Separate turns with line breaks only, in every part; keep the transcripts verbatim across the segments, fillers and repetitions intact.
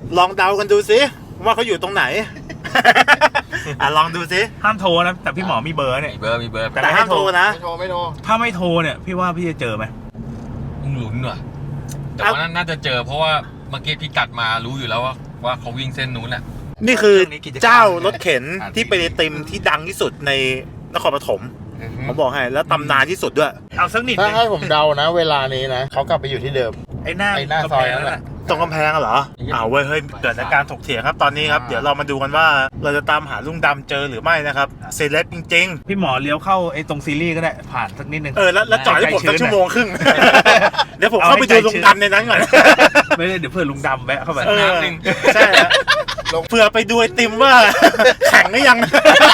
ลองเดากันดูสิว่าเขาอยู่ตรงไหน อ่ะลองดูสิ
ห้ามโทรนะแต่พี่หมอมีเบอร์เนี่ย
มีเบอร์มีเบอร์
แต่ห้ามโทรนะ
ไม่โทรไม่โทร
ถ้าไม่โทรเนี่ยพี่ว่าพี่จะเจอไหม
มึงลุ้นว่ะแต่ว่าน่าจะเจอเพราะว่าเมื่อกี้พี่กัดมารู้อยู่แล้วว่าว่าเขาวิ่งเส้นนู้นแหละ
นี่คือเจ้ารถเข็นที่เป็นไอติมที่ดังที่สุดในนครปฐมผมบอกให้แล้วตำนานที่สุดด้วย
เอาสักนิด
ถ้าให้ผมเดานะ เวลานี้นะเขากลับไปอยู่ที่เดิม
ไอ้หน้า
ไอ้หน้าซอยนั่นแหละ
ตรงกำแพงเหรออ้าวเว้ยเฮ้ยเกิดอาการถกเถียงครับตอนนี้ครับเดี๋ยวเรามาดูกันว่าเราจะตามหาลุงดำเจอหรือไม่นะครับเซเลบจริงๆ
พี่หมอเลี้ยวเข้าไอ้ตรงซีรีส์ก็ได้ผ่านสักนิดนึง
เออแล้วแล้วจอดให้ผมสักชั่วโมงครึ่ง เดี๋ยวผมเข้าไปดูลุงดำในนั้นก่อน
ไม่ได้เดี๋ยวเพื่อนลุงดำแวะเข้าไป
เออใช่ฮะเผื่อไปดูไอติมว่า แข็งหรือยัง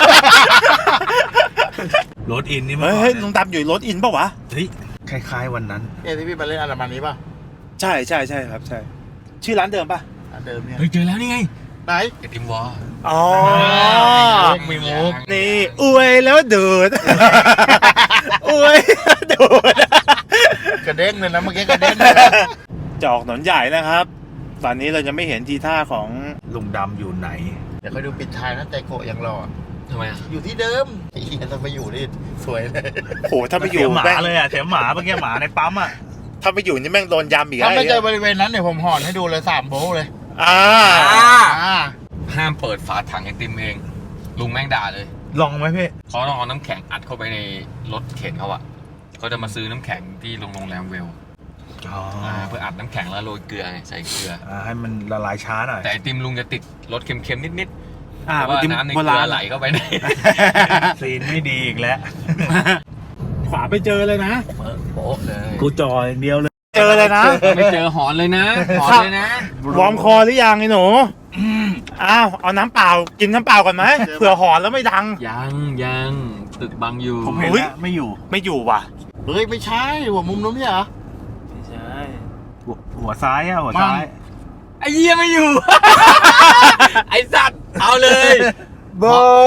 รถอินนี่มัน
เฮ้ยลุงดำอยู่รถอินป่ะวะ
เฮ้ยคล้ายๆวันนั้น
เอ้ที่พี่มาเล่นอันดับนี้ป่ะ
ใช่ใช่ใช่ครับใช่ชื่อร้านเดิมป่ะ
อันเดิมเนี่ย
เฮ้ยเจอแล้วนี่ไง
ไหน
ไอติมวอล
อ๋อ
มีมุก
นี่อวยแล้วดูด อวยแล้วดูด
กระเด้งเลยนะเมื่อกี้กระเด้งเลย
จะออกถนนใหญ่นะครับตอนนี้เราจะไม่เห็นทีท่าของ
ลุงดำอยู่ไหน
เดี๋ยวค่อยดูปิดท้ายนะใจโกะยังรอ
ทำไมอ่ะ
อยู่ที่เดิมไอ้เหี้ยถ้าไปอยู่นี่สวยเลย
โหถ้าไปอยู่
เสียหมา
แม่ง
เลยอ่ะเสียหมาเมื่อกี้หมาในปั๊มอ่ะ
ถ้าไปอยู่นี่แม่งโดนยำอีก
ถ้าไม่เจ
ไอ้
อบริเวณนั้นเดี๋ยวผมห่อนให้ดูเลยสามโบว์เลย
อ่า
อ่า
ห้ามเปิดฝาถังไอติมเองลุงแม่งด่าเลย
ลองไหมพี่
เขาต้องเอาน้ำแข็งอัดเข้าไปในรถเข็นเขาอะเขาจะมาซื้อน้ำแข็งที่โรงแรมเวล
อ๋อ
เพื่ออัดน้ำแข็งแล้วโรยเกลือไงใส่เกลือ
อ่าให้มันละลายช้าหน่อย
แต่ไอติมลุงจะติดรสเค็มๆนิดๆ
อ่า
เพราะว่า
ติม
น้ำใน
โบ
เกลื
รา
อ
ณ
ไหลเข้าไปใน
ซีนไม่ดีอีกแล้ว
ขวาไปเจอเลยนะ
โป๊ะเลย
กูจออย่างเดียวเลย
เจอเลยนะ
ไม่เจอหอนเลยนะหอนเลยนะ
วอร์มคอหรือยังไอ้หนูอ้าวเอาน้ำเปล่ากินน้ำเปล่าก่อนไหมเผื่อหอนแล้วไม่ดัง
ยังยังตึกบังอยู่
ผมเห็น
อุ๊ย
แล้วไม่อยู่
ไม่อยู่ว่ะ
เฮ้ยไม่ใช่หัวมุมนู้นเนี่ยเหรอ
ไม่ใช่หัวหัวซ้ายอ่ะหัวซ้าย
ไอ้เหี้ยไม่อยู่ ไอ้สัตว์เอาเลย
โบ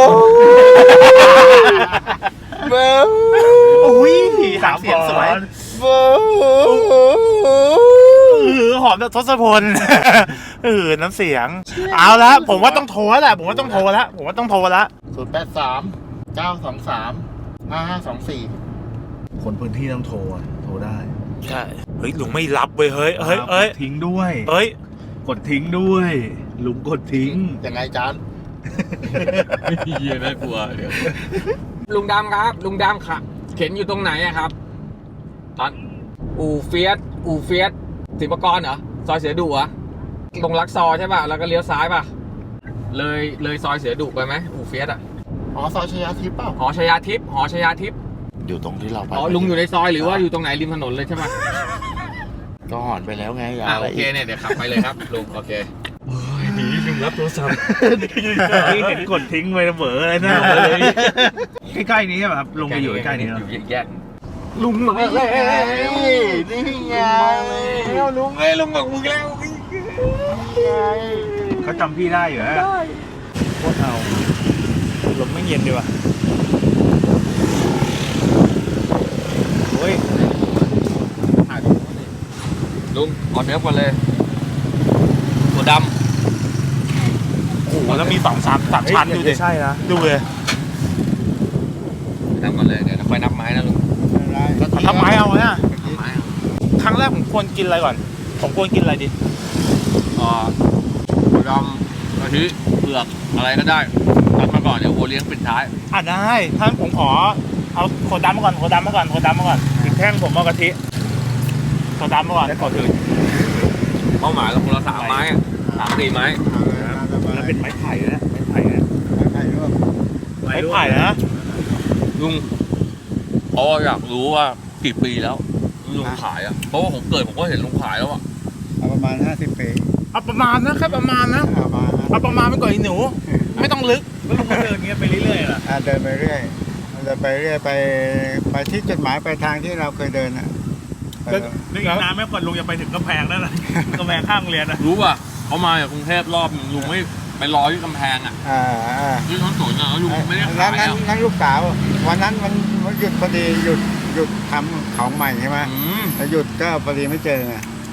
โบ
อุ้ยหางเสียงสวย
โบ
เออหอมแบบทศพล เออน้ำเสียง เอาละผมว่าต้องโทรแล้วแหละผมว่าต้องโทรแล้วผมว่าต้องโทรแล้ว
ศูนย์แปดสามเก้าสองสามห้าห้าสองสี่
คนพื้นที่ต้องโทรอ่ะโทรได้
ใช่เฮ้ยลุงไม่รับเว้ยเฮ้ยเฮ้ยเอ้ย
กดทิ้งด้วย
เอ้ย
กดทิ้งด้วย ลุงกดทิ้ง
ยังไงจาน
เหี้ยน่ากลัวเดี๋ยวลุงดำครับ ลุงดำค่ะเข็นอยู่ตรงไหนอะครับตอนอู่เฟียสอู่เฟียสศิลปากรเหรอซอยเสือดุเหรอตรงลักซอใช่ป่ะแล้วก็เลี้ยวซ้ายป่ะเลยเลยซอยเสือดุไปไหมอู่เฟียสอะ
อ๋อซอยชยาทิพย์เปล่า
หอชยาทิพย์หอชยาทิพย์
อยู่ตรงที่เราไป
อ๋อลุงอยู่ในซอยหรือว่าอยู่ตรงไหนริมถนนเลยใช่ป่ะ
ก็หอนไปแล้วไงอย่า
อ่า
อะไร
โอเค
อีก
เนี่ยเดี๋ยวขับไปเลยครับลุงโอเค
หนีลุงรับโทรศัพท์เห็นกดทิ้งไปเบอเลยนะใกล้ๆนี้แบบลุงไปอยู่ใกล้ๆนี้
อยู่แยก
ลุงมาแล้วนี่ไง
แล้วลุงเอ้ยลุงบอกมึงแล้ว
เขาจำพี่ได้อยู่ฮะโคตรเอาลมไม่เย็นดีว่ะโอ้ย
ลุงออเดิร์ฟก่อนเลยตัวด
โอ้โหแล้วมีสองสามสามชั้นดูดิ
ใช่นะ
ดูเลย
ำดำก่อนเลยเดี๋ยวเราค่อยนับไม้นะลุง
ทำไมเอาเนี่ย
นับไม้เอา
ครั้งแรกผมควรกินอะไรก่อน ผมควรกินอะไรดี
อ่าตัวดำกะทิเผือกอะไรก็ได้นับมาก่อนเดี๋ยวโอเลี้ยงปิดท้าย
อ่ะได้ท่านผมขอเอาโคดำมาก่อนโคดำมาก่อนโคดำมาก่อน
อีกแท่งผมเอากะทิ
โคดำมาก่อน
แล้วก่อนอื่น
เป้าหมายเราคนละสามไม้อะสามสี่ไม้
แล้วเป็นไม้ไผ่นะไม้ไผ่นะ
ไม่ไผ่นะ
ลุงเพราะว่าอยากรู้ว่ากี่ปีแล้วลุงขายอ่ะเพราะว่าผมเกิดผมก็เห็นลุงขายแล้วอ่ะ
เอาประมาณห้าสิบปี
เอาประมาณนะแค่ประมาณนะ
เอามา
เอาประมาณไปก่อนไอ้หนู ไม่ต้องลึก
แล้วลุงก็เดินอย่างเงี้ยไปเรื่อยๆล่ะ
อ่าเดินไปเรื่อยเดินไปเรื่อยไปไปที่จุดหมายปลายทางที่เราเคยเดินอ่ะไปเลย
นึกนานไม่ก่อนลุงจะไปถึงกำแพงนั่นแหละกำแพงข้างโรงเรียนนะ
รู้ป่ะเขามาจากกรุงเทพรอบหนึ่งลุงไม่ไปรอที่กำแพงอ่ะ
อ่าอ่า
ที่ท้องสวนอ่ะแล้วลุงไม่ได้
นั้
ขาน ย
นั้น
อ่ะ
นั้นลูกสาววันนั้นมันหยุดพอดีหยุดหยุดทำของใหม่ใช่ไหม
อืม
แล้วหยุดก็พอดีไม่เจอไง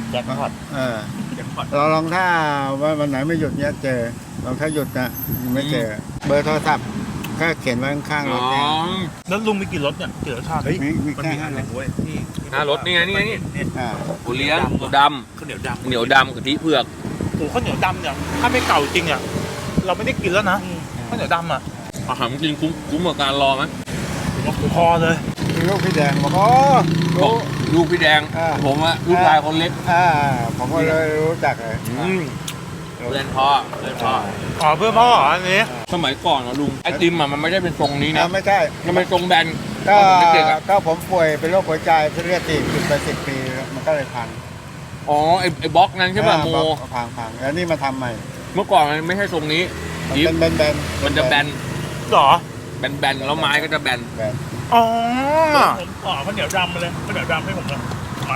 แจ็คพอต
เออ
แจ็คพอต
เราลองถ้าว่าวันไหนไม่หยุดเนี้ยเจอลองถ้าหยุดนะไม่เจอ เบอร์โทรศัพท์ก็เขียนไว้ข้างๆร
อ๋
ถ
อ
เนี่ย
แล้วลุงมีกี่รถเนี่ยกี่รสชาติ
มีมี
มัน
แค่
มีอั
ห้าน
ห
ร
นึ่
ถ
งเว้ยที่
หน้ารถนี่ไงนี่ไงนี่
อ่า
โอเลี้ยงหมูด
ข้าวเหนียวดำ
ำเหนียวดำกะทิเผือก
โอ้ข้าวเหนียวดำเนี่ยถ้าไม่เก่าจริงอ่ะเราไม่ได้กินแล้วนะข้าวเหนียวดำอ่ะ
อาหารจริงคุ้มคุ้มกับการรอไหม
พอเลย
ลูกพี่แดงบอกโอ้
บอ
รู้
กลูกพี่แดง
อ่า
ผมอะลูกชายคนเล็ก
อ่าผมก็เลยรู้จักเลย
อืมเรียนพ่อเรียนพ่อ
อ๋อเพื่อนพ่อเหรออันนี้
สมัยก่อนนะลุงไอติมอะมันไม่ได้เป็นทรงนี้นะ
อ่าไม่ใช่
มันเป็นทรงแบน
ก็
ตอนผมเด็กๆอะ
ก็ผมป่วยเป็นโรคหัวใจเส้นเลือดตีบติดไปสิบปีมันก็เลยพัง
อ๋อไอไอบล็อกนั้นใช่ป่ะ
อ่า
โม
บล็อกพังพังแล้วนี่มาทำใหม่
เมื่อก่อนมันไม่ใช่ทรงนี้
มัน
ยิบ
เป็นแบนๆ
มันจะแบน
เหรอ
แบนแบนแล้วไม้ก็จะแบน
แบน
อ๋อ
ผมขอข้าวเหนียวดำมาเลยข้าวเหนียวดำให้ผมเลยไม้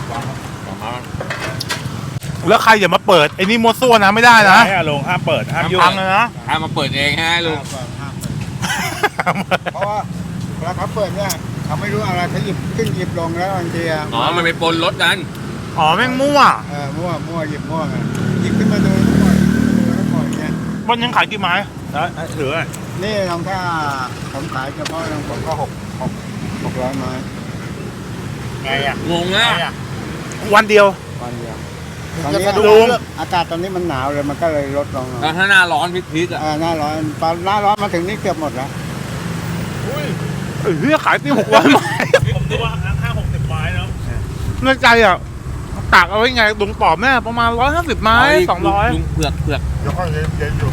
แล้วใครอย่ามาเปิดไอ้นี่มัวซั่วนะไม่ได้นะ
ให้อาลงห้ามเปิดห้ามยุ่
พัง
ง
เลยนะ
ถ้ามาเปิดเองฮะลุง
ห้ามเปิดห้ามเปิดเพราะว่าเวลาเขาเปิดเนี่ยเขาไม่รู้อะไรเขาหยิบขึ้นหยิบลงแล้วบางทีอะ
อ๋อมันไปปนรถนั้น
อ๋อแม่งมั่ว
เออมั่วมั่วหยิบมั่วไงหยิบขึ้นมาดูแล้วปล่อยแล้วปล่อยเนี่ย
วันยังขายกี่ไม้
แล้วถือไว้
นี่ลองถ้าผมขายเฉพาะลองผมก็หกหกหกร้อยไม้
ไงอ่ะ
งงนะ
วันเดียว
วันเดียวตอนนี้
ลุง
อากาศตอนนี้มันหนาวเลยมันก็เลยลดลงหน่อย
แล้วถ้าหน้าร้อนพริกๆอ่ะ
อ่าหน้าร้อนตอนหน้าร้อนมาถึงนี่เกือบหมดแล้ว
เออเฮ้ยขายตีหกร้อยไม้
ผมดูว่าห้าหกสิบไม้แล้ว
ในใจอ่ะตากเอาไว้ไงลุงตอบแม่ประมาณร้อยห้าสิบไม้สองร้อย
ลุงเผือกเผือก
เดี๋ยวก็เย็นเย็นอยู่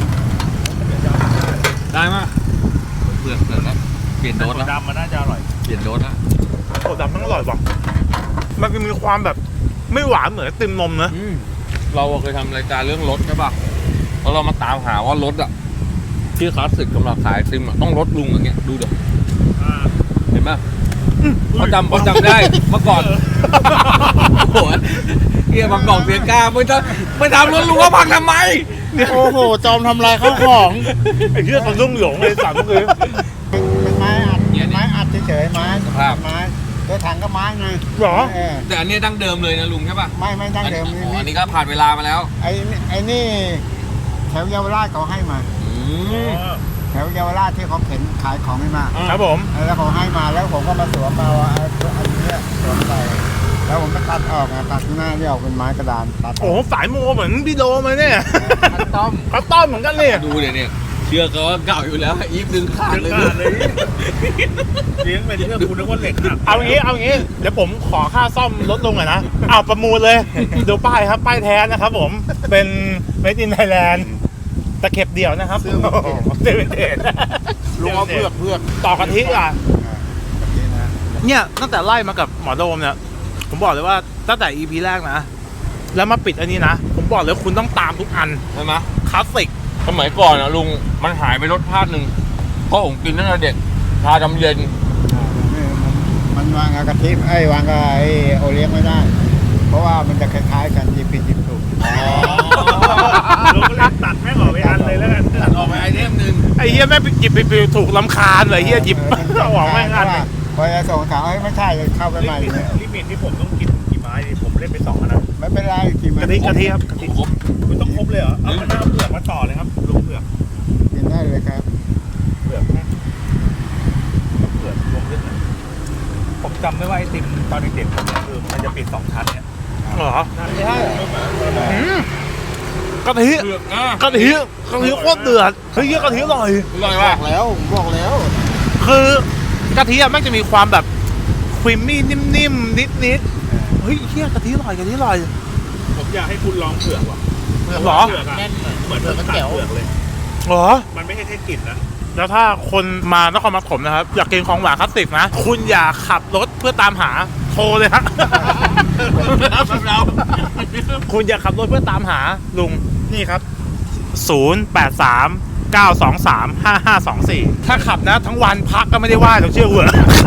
ได้มากเผือกเผือกแล้วเปลี่ยนโดสแล้ว
ดำมันน่าจะอร่อย
เปลี่ยนโดสแล้ว
โอ้ดำมันอร่อยว่ะมันมีความแบบไม่หวานเหมือนไอติมนมนะ
อืมเราเคยทำรายการเรื่องรถใช่ป่ะแล้วเรามาตามหาว่ารถอ่ะที่คลาสสิกสำหรับขายไอติมอ่ะต้องรถลุงอย่างเงี้ยดูเดี๋ยว
อ่า
เห็นไหมเขาจำเขาจำได้เมื่อก่อนโอ้โหเฮียบางกล่องเสียกล้าไม่ทำไม่ทำรถลุงว่าพังทำไม
โอ้โหจอมทำลายข้าวของไอ้เรื่องคนรุ่งหลงเลยสามเลย
เป็นไม้อัดไม้อัดเฉยๆไม้
ครับ
ไม้ตัวถังก็ไม้ไง
หรอ
เออ
แต่อันนี้ดั้งเดิมเลยนะลุงใช่ป่ะ
ไม่ไม่ดั้งเดิม
อ๋ออัน
นี่
นี้ก็ผ่านเวลามาแล้ว
ไอ้นี่ไอ้นี่แถวเยาวราชเขาให้มา
อืม
แถวเยาวราชที่เขาเข็นขายของให้มา
ครับผม
แล้วเขาให้มาแล้วผมก็มาสวมมาว่าอันนี้สวมใส่แล้วผมก็ตัดออกนะตัดข้างหน้าที่ออกเป็นไม้กระดานตัด
โอ้โหสายโมเหมือนพี่โดมาเนี่ย
คัสตอม
เขาต้อมเหมือนกันเนี่ย
ดูเนี่ยเนี่ยเชื่อเขาว่าเก่าอยู่แล้วอีฟดึงขาด
เลี้ยง
เลย
ขาดเลยเลี้ยงเป็นเรื่องคุณนึกว่าเหล็กหัก
เอางี้เอางี้เดี๋ยวผมขอค่าซ่อมลดลงหน่อยนะเอาประมูลเลยดูป้ายครับป้ายแท้นะครับผมเป็น Made in Thailand ตะเข็บเดี่ยวนะครับซื้อเป็นเดท
ลุงเอาเพือกเพือก
ต่อกะทิอ่ะ
แบบนี้นะ
เนี่ยตั้งแต่ไล่มากับหมอโดมเนี่ยผมบอกเลยว่าตั้งแต่ อี พี แรกนะ แล้วมาปิดอันนี้นะ ผมบอกเลยคุณต้องตามทุกอัน
ใช่ไหม
คลาสสิก
สมัยก่อนนะลุงมันหายไปรสชาติหนึ่งเพราะผมกินตั้งแต่เด็กชาดำเย็น
มันวางกับกะทิไอ้วางกับไอ้โอเลี้ยงไม่ได้ เพราะว่ามันจะคล้ายๆกันหยิบผิดหยิบถูก
เราก็เลยตัดแม่งออกไปอันเลยแล้วกัน
ตัดออกไปไอเทมหนึ่ง
ไอ้เฮียแม่งไปหยิบไปไปถูกลำคาญเลยเฮียหยิบเอาออกแม่งอันหนึ่ง
พอจะส่งถามเอ้ยไม่ใช่เข้าไปใหม่เลย
ลิมิตที่ผมต้องกินกี่ไม้ดิผมเล่นไปสองอันนะ
ไม่เป็นไรกินมัน
กะทิกะทิครับกะทิ
ครบ
คุณต้องครบเลยเหรอเอาหน้าเปลือกมาต่อเลยครับลุงเปลือก
กินได้เลยครับ
เปลือกนะเปลือกรวมขึ้นนะผมจำได้ว่าไอติมตอนเด็กๆผมเนี่ยคือมันจะปิดสองชั้นเนี่ย
เหรอ
ไม่ใช่
อืมกะทิ
เผือกอ่ะ
กะทิกะทิโคตรเดือดเฮ้ยเฮียกะทิอร่อย
อร่อย
บ
ป่ะ
อกแล้วบอกแล้ว
คือกะทิอะแม่งจะมีความแบบครีมมี่นิ่มๆนิดๆเฮ้ยเฮียกะทิอร่อยกะทิอร่อย
ผมอยากให้คุณลองเผือกว่ะ
เหรอ
เผือกอะเหมือนเผือกตัดเผือกเลย
เหรอ
มันไม่ใช่แค่กลิ่นนะ
แล้วถ้าคนมานครปฐมนะครับ อยากกินของหวานคลาสสิกนะ คุณอย่าขับรถเพื่อตามหาโทรเลยฮะ
เรา
คุณอย่าขับรถเพื่อตามหาลุงนี่ครับ ศูนย์ แปด สาม เก้า สอง สาม ห้า ห้า สอง สี่ ถ้าขับนะทั้งวันพักก็ไม่ได้ว่าต้องเชื่อหัว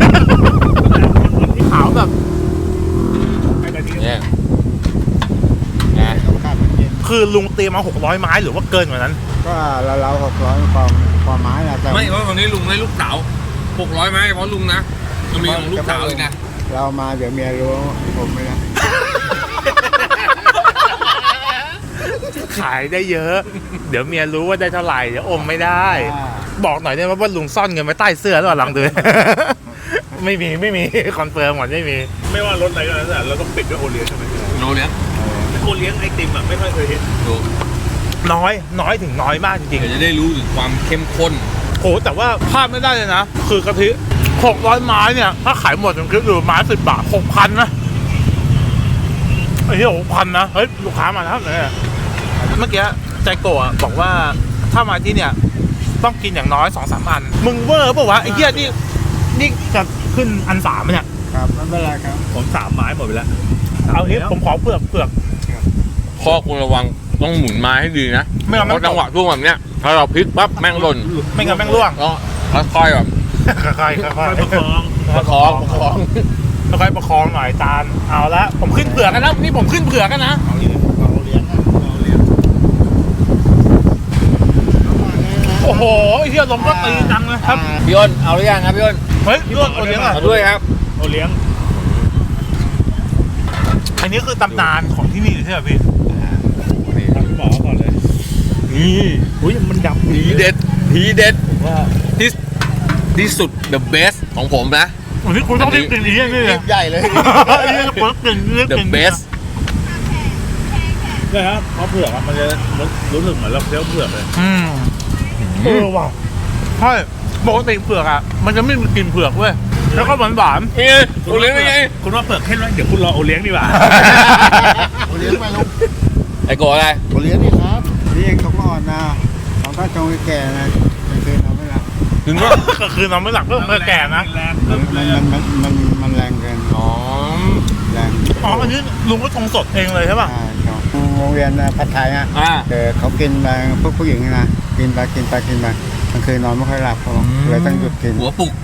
ขาวแบบ
ไอ้กะทิ
เนี่ยนะ
ต้องการมันเย็น
คือลุงเตรียมมาหกร้อยไม้หรือว่าเกินกว่านั้น
ก็เราเราหกร้อยความความไม้นะแต่
ไม่เพราะตอนนี้ลุงได้ลูกสาวหกร้อยไหมเพราะลุงนะมันมีของลูกสาวอีกนะ
เรามาเดี๋ยวเมียรู้ผมไม่ได้
ขายได้เยอะ เดี๋ยวเมียรู้ว่าได้เท่าไหร่เดี๋ยวอมไม่ได้ บอกหน่อยได้ไหมว่าลุงซ่อนเงินไว้ใต้เสื้อหรือเปล่าลองดู ไม่มีไม่มีคอนเฟิร์มหมดไม่มี
ไม่ว่ารถอะไรก็แล้วแต่เราต้องปิดด้วยโอเลี้ยงใช่ไหม
โนเลี้ยง
โอเลี้ยงไอติมอ่ะไม่ค่อยเคยเห็น
ดู
น้อยน้อยถึงน้อยมากจริง
เดี๋ยวจะได้รู้ถึงความเข้มข้น
ๆโอ้แต่ว่าพลาดไม่ได้เลยนะ คือกะทิหกร้อยไม้เนี่ย ถ้าขายหมดผมคิดดูไม้สิบบาทหกพันนะไอ้เหี้ยหกพันนะ เฮ้ย ลูกค้ามาแล้วเนี่ยเมื่อกี้ใจโกะบอกว่าถ้ามาที่เนี่ย ต้องกินอย่างน้อยสองสามอัน มึงเวอร์เปล่าวะไอ้เหี้ยนี่นี่จะขึ้นอันสามไหมเนี่ย
ครับไม่เป็นไรครับ
ผมสามไม้หมดไปแล้ว
เอางี้ผมขอเปลือกเปลือก
ข้อควรระวังต้องหมุนไม้ให้ดีนะ
ไม่งั้น
เพราะจังหวะช่วงแบบเนี้ยถ้าเราพลิกปั๊บแม่งหล่น
ไม่งั้นแม่งร่วง
ก็ค่อยๆแบบ
ค่อยๆค่อยๆ
ประคอง
ประคองประคอง
ค่อยๆประคองหน่อยจานเอาละผมขึ้นเผือกกันนะนี่ผมขึ้นเผือกกันนะ
เอาเลี้ยงเอาเลี้ยงนะเอาเลี้ยง
โอ้โหไอ้เหี้ยลมก็ตีจังเลยครับ
พี่อ้นเอาหรือยังครับพี่อ้น
เฮ้ยเลือดคนเลี้ยงอ่ะ
เอาด้วยครับ
โอเลี้ยง
อันนี้คือตำนานของที่นี่ใช่ไหมพี่
ทำหมอก่อนเลย
นี่
อุ้ยมันดำ
ทีเด็ดทีเด็ด
ว่า
ที่ที่สุด the best ของผมนะ
อันนี้คุณต้องรีบกินอีกอย่างนี้เลย
ใหญ่เลย
อันนี้คุณกินรีบ
the
กิน
best
เนี่ยครับเพราะเผือกอะมันจะรู้สึกเหมือนเราเคี้ยวเผือกเลย
อืมเออว่ะใช่ปกติเผือกอ่ะมันจะไม่มีกลิ่นเผือกเว้ยแล้วก็หวานหวาน
นี่ไงโอเลี้ยงเป็นไง
คุณว่าเผือกเข้มไหมเดี๋ยวคุณรอโอเลี้ยงดีกว่า
เอาเลี้ยงมาลูก
ไอ้โกอะไร
เอาเลี้ยงนี่ครับนี่เองต้องอ่อนนะเราถ้าจงแก่นะไม่เคยทำไม่ละ
ถึงว่า
ก็คือนอนไม่หลับก็เมื่อแก่นะ
แรง
มันมันมันมันมันแรงเกิน
อ๋อ
แรง
อ๋ออันนี้ลุงก็ชงสดเองเลยใช่ป่ะ
ใช่ครับโรงเรียนผัดไทยฮะ
อ่า
เออเขากินมาพวกผู้หญิงนะกินไปกินไปกินไปมันคืนนอนไม่ค่อยหลับเขาบอกเลยต้องหยุดกิน
หัวปุก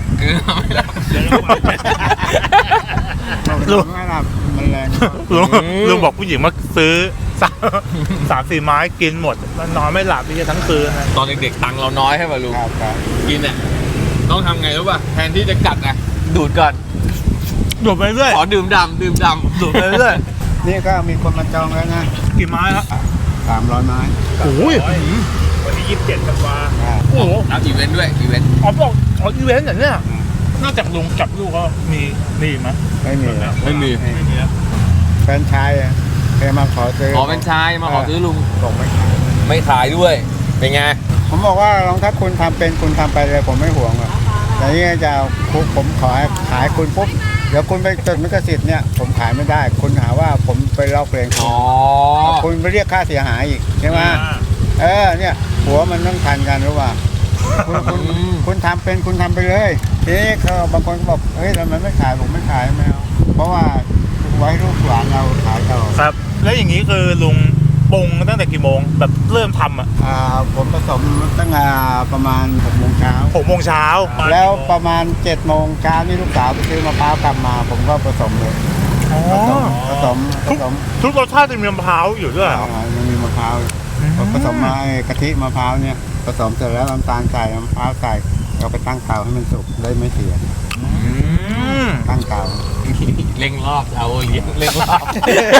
นอนไม่หลับมันแรง
ลุงลุงบอกผู้หญิงมาซื้อสามสามสี่ไม้กินหมดนอนไม่หลับไปทั้งคืนนะ
ตอนเด็กๆตังค์เราน้อยใช่ป่ะลุง
ครับครับ
กินเนี่ยต้องทำไงรู้ป่ะแทนที่จะกัดนะดูดก่อน
ดูดไปเรื่อย
ขอดื่มดำดื่มดำ
ดูดไปเรื่อย
นี่ก็มีคนมาจองแล้วนะ
กี่ไม้ครับ
สามร้อยไม้
โอ้ย
วันที่ยี่สิบเจ็ดธันวา
อ่า
โอ้โห
รับอีเวนต์ด้วยอีเวนต์
อ๋อบอกอ๋ออีเวนต์อย่างเนี้ยนอกจากลุงกับลูกก็มีนี่ไหม
ไม่มีแล้ว
ไม่มี
ไม่มีแล้ว
แฟนชายอะเคยมาขอซื้อ
ขอเป็นชายมาขอซื้อลุง
บอกไม่ขาย
ไม่ขายด้วยเป็นไง
ผมบอกว่าลองถ้าคุณทำเป็นคุณทำไปเลยผมไม่ห่วงหรอกแต่นี่จะเอาคุผมขอให้ขายคุณปุ๊บเดี๋ยวคุณไปจดลิขสิทธิ์เนี่ยผมขายไม่ได้ คุณหาว่าผมไปลอกเพลงคุ
อ๋
ณ
อ
คุณไปเรียกค่าเสียหายอีกใช่ไหมเออเนี่ยหัวมันต้องทันกันหรือเปล่าคุณคุณคุณทำเป็นคุณทำไปเลยทีนี้เขาบางคนก็บอกเฮ้ยทำไมไม่ขายผมไม่ขายไม่เอาเพราะว่าไว้ลูกหลานเราขายต่อ
ครับ แล้วอย่างนี้คือลุงปรุงตั้งแต่กี่โมงแบบเริ่มทำอ่ะ
อ่าผมผสมตั้งแต่ประมาณหกโมงเช้า
หกโมงเช้า
แล้วประมาณเจ็ดโมงเช้านี่ลูกสาวไปซื้อมะพร้าวกลับมา ผมก็ผสมเลย
อ๋อ
ผสมผสมผสม
ทุกรสชาติจะมีมะพร้าวอยู่ด้วยเหรอ
อ่ายังมีมะพร้าวผสมมาไอ้กะทิมะพร้าวเนี่ยผสมเสร็จแล้วน้ำตาลใส่มะพร้าวใส่เราไปตั้งเตาให้มันสุกได้ไม่เสีย
อืม
ตั้งเตา
เร่งรอบเอาเลี้ยงเร่งรอบ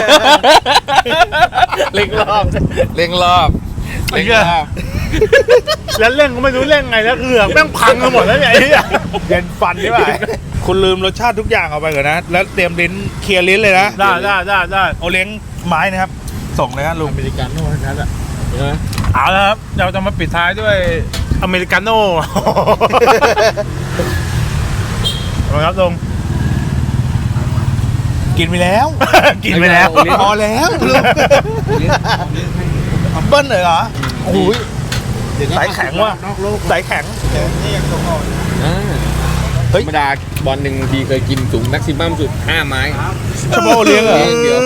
เร่งรอบเร่งรอบเร่งรอบ
แล้วเร่งก็ไม่รู้เร่งไงแล้วเกือกแม่งพังกันหมดแล้วเนี่ยไอ้เหี้ย
เย็นฟันใช่ไหมคุณลืมรสชาติทุกอย่างเอาไปก่อนนะ แล้วเตรียมลิ้นเคลียร์ลิ้นเลยนะ
ได้ได้ได้ได้
โอเลี้ยงไม้นะครับ ส่งเลยฮะลุง
อเมริกันโน่นนั้นอ่ะใช่ไหม
เอาละครับเราจะมาปิดท้ายด้วยอเมริกาโน่ เอาละครับลุง
กินไปแล้ว
กินไปแล้ว
พอแล้วลุงเบิ้ลเลยเหรอ
โอ้ยสายแข็งว่ะ
นอกโลก
สายแข็ง
เดี๋ยวนี่ยังตกอ่อน
อ่า
เฮ้ย
ธรรมดาบอลหนึ่งทีเคยกินสูงแม็กซิมัมสุดห้าไม้
เฉพาะโอเลี้ยงเหรอ
เดี๋ยว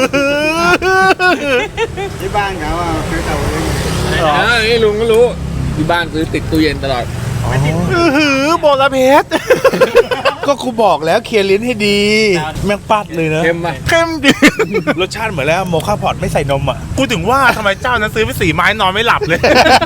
ที่บ้านเขาอ่ะคือเตาเลี้ยง
อ่านี่ลุงก็รู้ที่บ้านซื้อติดตู้เย็นตลอด
อื้อหือโบราเพชร
ก็ครูบอกแล้วเคลียร์ลิ้นให้ดี แม่งปัดเลยนะ
เข้มป่ะ
เข้มดี
รสชาติเหมือนแล้วโมคาพอตไม่ใส่นมอ่ะ
กูถึงว่าทำไมเจ้านั้นซื้อไปสี่ไม้นอนไม่หลับเลย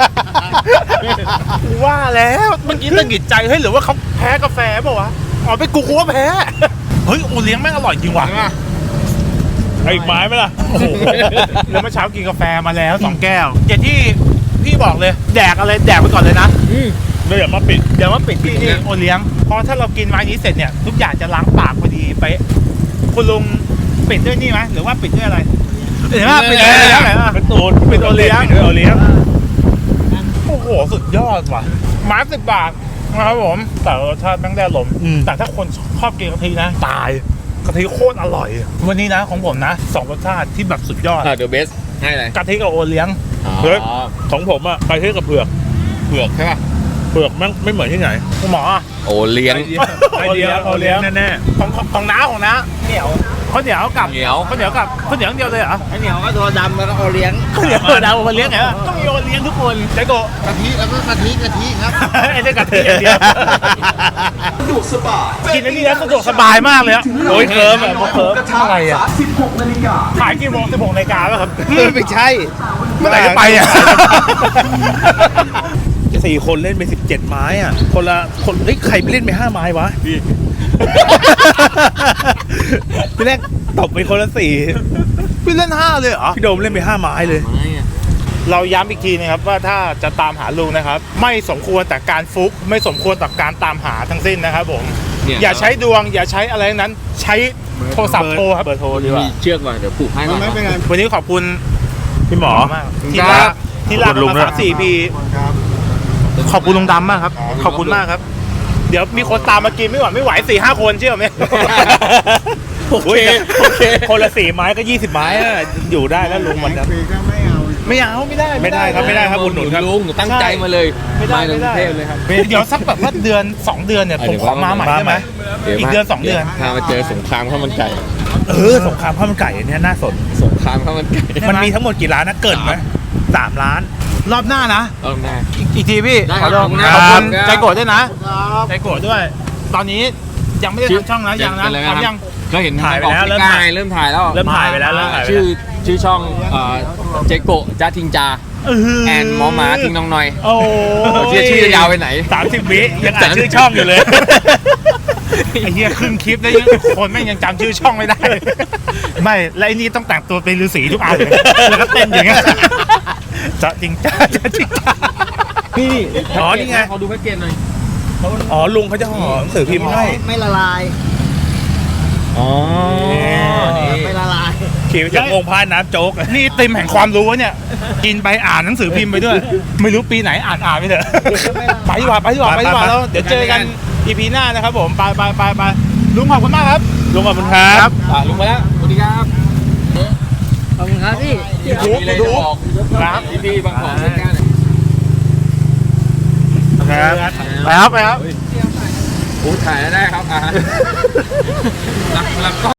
กูว่าแล้วเมื่อกี้ตะหงิดใจเฮ้ยหรือว่าเขาแพ้กาแฟเปล่าวะอ๋อไปกูกูว่าแพ้ เฮ้ยโอเลี้ยงแม่งอร่อยจริงว่ะ
เอาอีกไม้ไหมล่ะ
โอ้โหแล้วเมื่อเช้ากินกาแฟมาแล้วสองแก้วอย่างที่พี่บอกเลย แดกอะไรแดกไปก่อนเลยนะ
ไม่เดี๋ยวมาปิด
เดี๋ยวว่าปิดที่นี่โอเลี้ยงเพราะถ้าเรากินไม้นี้เสร็จเนี่ยทุกอย่างจะล้างปากพอดีไปะคุณลุงปิดด้วยนี่ไหมหรือว่าปิดด้วยอะไรเห็นไหมปิดด้วยอะไรแล้วไหนวะ
เป็นตูน
ปิดโอเลี้ยง
ปิดด้วยโอเลี้ยง
โอ้โหสุดยอดว่ะไม้สิบบาทนะครับผมแต่รสชาติแม่งได้ลมณ์แต่ถ้าคนชอบกินกะทินะ ตายกะทิโคตรอร่อย วันนี้นะของผมนะสองรสชาติที่แบบสุดยอด
อ่าเดอะเบสให้อะไร
กะทิกับโอเลี้ยง
เฮ้ยของผมอะไปเที่ยวกับเผือก
เผือกใช่ป่ะ
เผือกแม่งไม่เหมือนที่ไหน
คุณหมออะ
โอเลี้ยง
ไอเดียโอเลี้ยงแน่
ของของของน้าของน้าเหนียวข้าวเหนียวกับ
เหนียว
ข้าวเหนียวกับข้าวเหนียวอย่างเดียวเลยเหรอ
ไอ้เหนียวก็ตัวดำแล้วก็โอเลี้ยง
ข้าวเหนียวดาวโอเลี้ยงไงวะต้องมีโอเลี้ยงทุกคนใจโกะ
กะทิแล้วก็กะทิกะทิครับ
ไอ้เรื่องกะทิอย่างเดียว
สะดวกสบาย
กินอันนี้แล้วสะดวกสบายมากเลยอะ
ๆโอ้ยเคิร์มอะเคิร์ม
อะไรอะ
สิบหกนาฬิกา
ขายกี่โมงสิบหกนาฬิกาป่ะครับ
ไม่ใช่
เมื่อไหร่จะไปอะ
สี่คนเล่นไปสิบเจ็ดไม้อ่ะ คนละคนเฮ้ยใครไปเล่นไปห้าไม้วะพี่ พี่แรกตบไปคนละสี่
พี่เล่นห้าเลยเหรอ
พี่โดมเล่นไปห้าไม้เลย
ไม่อะ
เราย้ำอีกทีนะครับว่าถ้าจะตามหาลุงนะครับ ไม่สมควรแต่การฟุก ไม่สมควรต่อการตามหาทั้งสิ้นนะครับผม
เนี่ย
อย่าใช้ดวง อย่าใช้อะไรทั้งนั้น ใช้โทรศัพท์โทรครับ
เบอร์โทรดีกว่า
มีเชือกว่ะเดี๋ยวผูกให้ก่อน
ไม่เป็นไร
วันนี้ขอบคุณ
พี่หมอ
มากที่ลากที่ลาก
ขอบคุณลุง
มา
ด้วย
สามสี่ปี
ครับ
ขอบคุณลุงดำมากครับ ขอบคุณมากครับ เดี๋ยวมีคนตามมากินไม่ไหวไม่ไหวสี่ห้าคนเชื่อไหม
โอเคโอเค คนละสี่ไม้ก็ยี่สิบไม้อะอยู่ได้แล้วลุงมัน
แท็
นะ
กฟรีก็ไม่เอา
ไม่เอาไม่ได้
ไม่ได้ครับไม่ได้ อุดหนุนครับ
ลุงตั้งใจมาเลย
ไม่ได้
ถึ
ไม่
งก
ได้
รุงเทพเลยครับ
เดี๋ยวสักแบบว่าเดือนสองเดือนเนี่ยผมขอมาใหม่ได้ไหม อีกเดือนสองเดือน
พามาเจอสงครามข้าวมันไก่
เออสงครามข้าวมันไก่อันเนี้ยน่าสน
สงครามข้าวมันไก่
มันมีทั้งหมดกี่ร้านนะเกินไหมสามร้าน
รอบหน้านะ
เอาหน้า
อีกอีกทีพี่
ได้ครับ
ขอโทษ
ขอบคุณ
ขอบคุณ
ครับ
ใจโกรธด้วยนะใจโกรธด้วย ตอนนี้ยังไม่ได้ทำช่องนะยังนะ
เป็นไรไหมครับ
ทำยัง
ก็เห็น
ถ่ายไปแล้ว
เริ่มถ่ายเริ่มถ่ายแล้ว
เริ่มถ่ายไปแล้วเริ่มถ่ายไป
ชื่อ
แล้ว
ชื่อช่องเอ่อเจโกะจ้าทิงจาแอนหมอหมาทิ้งน้องหน่อย
โอ้
เชื่อชื่อจะยาวไปไหน
สามสิบวิยังอ่านชื่อช่องอยู่เลย
ไอ้เหี้ยครึ่งคลิปได้ยังคนแม่งยังจำชื่อช่องไม่ได้ ไม่และไอ้นี่ต้องแต่งตัวเป็นฤาษีทุกอันเลยแล้วก็เต้นอย่างเงี้ยจะจริงจ้าจะจริงจ้า
นี่
อ๋อนี่ไง
เขาดูแพ็กเกจหน่อย
อ๋อลุงเขาจะห่อหนังสือพิมพ์ให้
ไม่ละลาย
อ๋อ
ไม่ละลาย
ขี่ไปจากวงพายน้ำโจ๊ก
นี่ติมแห่งความรู้วะเนี่ย กินไปอ่านหนังสือพิมพ์ไปด้วย ไม่รู้ปีไหนอ่านอ่านไปเถอะ ไปดีกว่าไปดีกว่าไปดีกว่าแล้วเดี๋ยวเจอกัน อี พี หน้านะครับผม ไปไปไปไปลุงขอบคุณมากครับ
ลุงขอบคุณครับ
อ่ะลุงมาแล้วสวัสดีครับ
ขอบคุณครับพี่
มีอะไรจะบอก
ครับ
พี่ๆบางของใกล้ๆหน่อย
ครับไปครับไปครับ
อู้ถ่ายแล้วได้ครับอ่ะหลักหลักก็